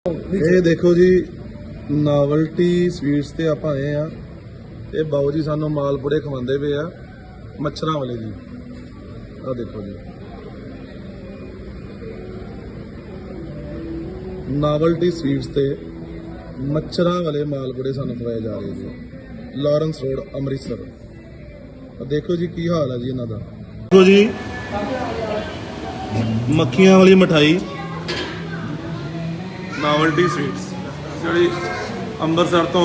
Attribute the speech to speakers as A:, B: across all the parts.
A: ਇਹ ਦੇਖੋ ਜੀ ਨਾਵਲਟੀ ਸਵੀਟਸ ਤੇ ਆਪਾਂ ਆਏ ਆ। ਇਹ ਬਾਊ ਜੀ ਸਾਨੂੰ ਮਾਲਪੂੜੇ ਖਵਾਉਂਦੇ ਪਏ ਆ ਮੱਛਰਾਂ ਵਾਲੇ ਜੀ। ਆ ਦੇਖੋ ਜੀ ਨਾਵਲਟੀ ਸਵੀਟਸ ਤੇ ਮੱਛਰਾਂ ਵਾਲੇ ਮਾਲਪੂੜੇ ਸਾਨੂੰ ਖਵਾਏ ਜਾ ਰਹੇ ਜੀ। Lawrence road Amritsar. ਦੇਖੋ ਜੀ ਕੀ ਹਾਲ ਹੈ ਜੀ ਇਹਨਾਂ ਦਾ। ਦੇਖੋ ਜੀ ਮੱਖੀਆਂ ਵਾਲੀ ਮਠਾਈ ਨਾਵਲਟੀ ਸਵੀਟਸ ਜਿਹੜੀ ਅੰਮ੍ਰਿਤਸਰ ਤੋਂ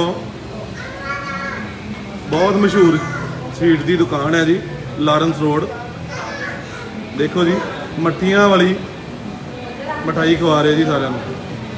A: ਬਹੁਤ ਮਸ਼ਹੂਰ ਸਵੀਟ ਦੀ ਦੁਕਾਨ ਹੈ ਜੀ, ਲਾਰੈਂਸ ਰੋਡ। ਦੇਖੋ ਜੀ ਮੱਠੀਆਂ ਵਾਲੀ ਮਠਾਈ ਖਵਾ ਰਹੇ ਜੀ ਸਾਰਿਆਂ ਨੂੰ।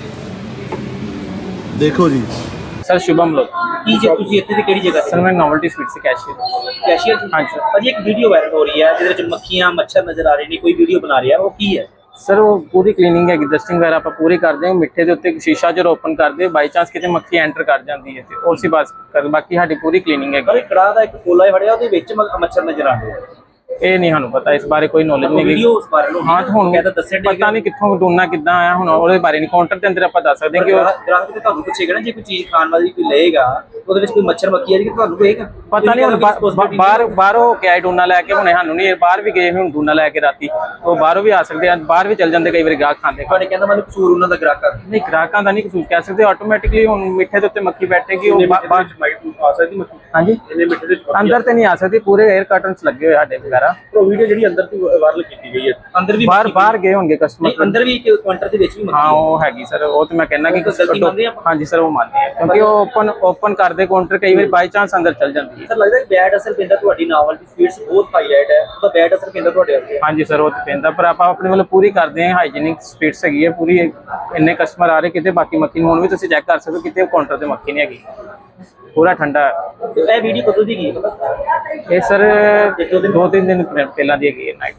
A: ਦੇਖੋ ਜੀ
B: सर शुभम लोग
C: ਕੀ ਜੇ ਤੁਸੀਂ ਇੱਥੇ ਦੀ ਕਿਹੜੀ ਜਗ੍ਹਾ
B: सर मैं नॉवल्टी स्वीट से कैशियर।
C: ਕੈਸ਼ੀਅਰ
B: हाँ जी सर।
C: ਭਾਜੀ ਇੱਕ ਵੀਡੀਓ ਵਾਇਰਲ ਹੋ ਰਹੀ ਹੈ ਜਿਹਦੇ ਵਿੱਚ ਮੱਖੀਆਂ ਮੱਛਰ ਨਜ਼ਰ ਆ ਰਹੇ ਨੇ, ਕੋਈ ਵੀਡੀਓ ਬਣਾ ਰਿਹਾ, ਉਹ ਕੀ ਹੈ?
B: सर वो पूरी क्लीनिंग है, डस्टिंग वगैरह आप पूरी करते हैं। मिट्ठे के उत्ते शीशा जो ओपन करते बाई चांस कितने मक्खी एंटर कर जाती है तो उसी बात कर बाकी साडी पूरी क्लीनिंग
C: ਪਰ
B: है।
C: ਇੱਕ ਕੜਾਹ ਦਾ ਇੱਕ ਕੋਲਾ ਫੜਿਆ, ਉਹਦੇ ਵਿੱਚ ਮੱਛਰ ਨਜ਼ਰ ਆ ਰਹੇ ਆ।
B: ये नहीं सानू पता, इस बारे कोई नॉलेज नहीं
C: ਵੀਡੀਓ ਉਸ ਬਾਰੇ ਨੂੰ
B: हाँ तो हुण
C: ਕਹਿੰਦਾ ਦੱਸਿਆ
B: पता नहीं कित्थों डूना किद्दां आया हुण ਉਹਦੇ ਬਾਰੇ ਨਹੀਂ। ਕਾਊਂਟਰ ਦੇ ਅੰਦਰ ਆਪਾਂ ਦੱਸ ਸਕਦੇ ਹਾਂ ਕਿ ਉਹ
C: ਗ੍ਰਾਹਕ ਤੇ ਤੁਹਾਨੂੰ ਪੁੱਛੇਗਾ ਨਾ, ਜੇ ਕੋਈ ਚੀਜ਼ ਖਾਣ ਵਾਲੀ ਕੋਈ ਲਏਗਾ ਉਹਦੇ ਵਿੱਚ ਕੋਈ ਮੱਛਰ ਮੱਖੀ ਆ ਜੀ, ਤੁਹਾਨੂੰ ਕਹੇਗਾ
B: ਪਤਾ ਨਹੀਂ। ਹੁਣ ਬਾਹਰੋਂ ਕਿਆ ਡੂਨਾ ਲੈ ਕੇ ਹੁਣੇ ਸਾਨੂੰ ਨਹੀਂ, ਬਾਹਰ ਵੀ ਗਏ ਹੁਣ ਡੂਨਾ ਲੈ ਕੇ ਰਾਤੀ, ਉਹ ਬਾਹਰੋਂ ਵੀ ਆ ਸਕਦੇ ਆ, ਬਾਹਰ ਵੀ ਚੱਲ ਜਾਂਦੇ ਕਈ ਵਾਰੀ ਗਾਹਕ ਖਾਂਦੇ।
C: ਤੁਹਾਡੇ ਕਹਿੰਦਾ ਮੈਨੂੰ ਕਸੂਰ ਉਹਨਾਂ ਦਾ ਗ੍ਰਾਹਕਾਂ ਦਾ
B: ਨਹੀਂ ਗ੍ਰਾਹਕਾਂ ਦਾ ਨਹੀਂ ਕਸੂਰ ਕਹਿ ਸਕਦੇ, ਆਟੋਮੈਟਿਕਲੀ ਹੁਣ ਮਿੱਠੇ ਦੇ ਉੱਤੇ ਮੱਖੀ ਬੈਠੇਗੀ ਉਹ
C: ਆ ਸਕਦੀ ਮੱਖੀ
B: ਹਾਂਜੀ
C: ਇਹਨੇ ਮਿੱਠੇ ਦੇ
B: ਅੰਦਰ ਤੇ ਨਹੀਂ ਆ ਸਕਦੀ। ਪੂਰੇ 에ਅਰ ਕਰਟਨਸ ਲੱਗੇ ਹੋਏ ਸਾਡੇ ਵਗੈਰਾ।
C: ਉਹ ਵੀਡੀਓ ਜਿਹੜੀ ਅੰਦਰ ਤੋਂ ਵਾਇਰਲ ਕੀਤੀ ਗਈ ਹੈ, ਅੰਦਰ ਵੀ
B: ਬਾਹਰ ਗਏ ਹੋਣਗੇ ਕਸਟਮਰ।
C: ਨਹੀਂ ਅੰਦਰ ਵੀ ਇੱਕ ਕੁਆਂਟਰ ਦੇ ਵਿੱਚ ਵੀ ਮੱਖੀ
B: ਹਾਂ ਉਹ ਹੈਗੀ ਸਰ, ਉਹ ਤੇ ਮੈਂ ਕਹਿੰਦਾ ਕਿ
C: ਗਲਤੀ ਮੰਨਦੇ ਆਪਾਂ?
B: ਹਾਂਜੀ ਸਰ ਉਹ ਮੰਨਦੇ ਆ, ਕਿਉਂਕਿ ਉਹ ਓਪਨ ਕਰਦੇ ਕਾਊਂਟਰ ਕਈ ਵਾਰੀ ਬਾਈ ਚਾਂਸ ਅੰਦਰ ਚੱਲ ਜਾਂਦੀ ਹੈ।
C: ਸਰ ਲੱਗਦਾ ਕਿ ਬੈਡ ਅਸਰ ਪੈਂਦਾ ਤੁਹਾਡੀ ਨਾਵਲਟੀ ਸਵੀਟਸ ਬਹੁਤ ਹਾਈਲਾਈਟ ਹੈ, ਉਹਦਾ ਬੈਡ ਅਸਰ ਪੈਂਦਾ ਤੁਹਾਡੇ ਉੱਤੇ।
B: ਹਾਂਜੀ ਸਰ ਉਹ ਤੇ ਪੈਂਦਾ, ਪਰ ਆਪਾਂ ਆਪਣੇ ਵੱਲੋਂ ਪੂਰੀ ਕਰਦੇ ਹਾਂ। ਹਾਈਜੀਨਿਕ ਸਪੀਡਸ ਹੈਗੀ ਹੈ ਪੂਰੀ। ਇੰਨੇ ਕਸਟਮਰ ਆ ਰਹੇ ਕਿਤੇ ਬਾਕੀ ਮੱਖੀ ਨੂੰ ਹੁਣ ਵੀ ਤੁਸੀਂ ਚੈੱਕ ਕਰ ਸਕਦੇ ਹੋ, ਕਿਤੇ ਕਾਊਂਟਰ ਤੇ ਮੱਖੀ ਨਹੀਂ ਹੈਗੀ, ਪੂਰਾ ਠੰਡਾ ਹੈ।
C: ਇਹ ਵੀਡੀਓ ਕਦੋਂ ਦੀ ਗਈ?
B: ਇਹ ਸਰ 2-3 ਦਿਨ ਪਹਿਲਾਂ ਦੀ ਹੈਗੀ ਹੈ ਨਾਈਟ।